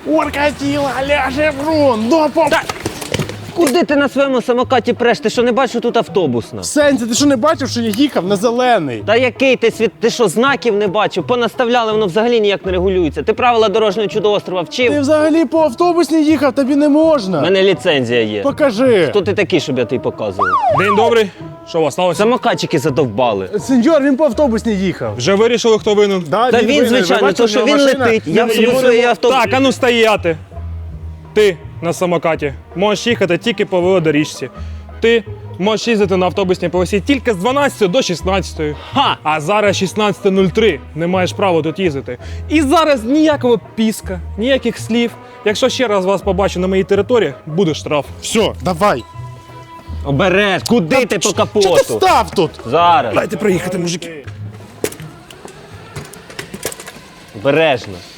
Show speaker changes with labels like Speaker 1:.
Speaker 1: Уркатіла, ляже брун, допом!
Speaker 2: Куди ти на своєму самокаті преш? Ти що, не бачиш, що тут автобусна?
Speaker 1: Сенсі, ти що не бачив, що я їхав на зелений?
Speaker 2: Та який ти світ? Ти що, знаків не бачив? Понаставляли, воно взагалі ніяк не регулюється. Ти правила дорожнього чудоострова вчив?
Speaker 1: Ти взагалі по автобусній їхав, тобі не
Speaker 2: У
Speaker 1: можна.
Speaker 2: мене ліцензія є.
Speaker 1: Покажи.
Speaker 2: Хто ти такий, щоб я тобі показував?
Speaker 3: День добрий. Що у вас сталося?
Speaker 2: Самокатчики задовбали.
Speaker 1: Сеньор, він по автобусній їхав.
Speaker 3: Вже вирішили, хто винен?
Speaker 2: Та він,
Speaker 1: винен.
Speaker 2: звичайно,
Speaker 1: Ви бачите,
Speaker 2: то що
Speaker 1: у
Speaker 2: він
Speaker 1: нього машина?
Speaker 2: летить. Я в
Speaker 1: Його
Speaker 2: своїй автобус.
Speaker 3: Так, а ну стояти. Ти на самокаті можеш їхати тільки по велодоріжці. Ти можеш їздити на автобусній полосі тільки з 12 до 16.
Speaker 2: Ха!
Speaker 3: А зараз 16:03. Не маєш права тут їздити. І зараз ніякого піска, ніяких слів. Якщо ще раз вас побачу на моїй території, буде штраф.
Speaker 1: Все, давай.
Speaker 2: Обереш, куди ти по
Speaker 1: Що ти
Speaker 2: капоту?
Speaker 1: став тут?
Speaker 2: Зараз.
Speaker 3: Дайте проїхати, мужики.
Speaker 2: Обережно.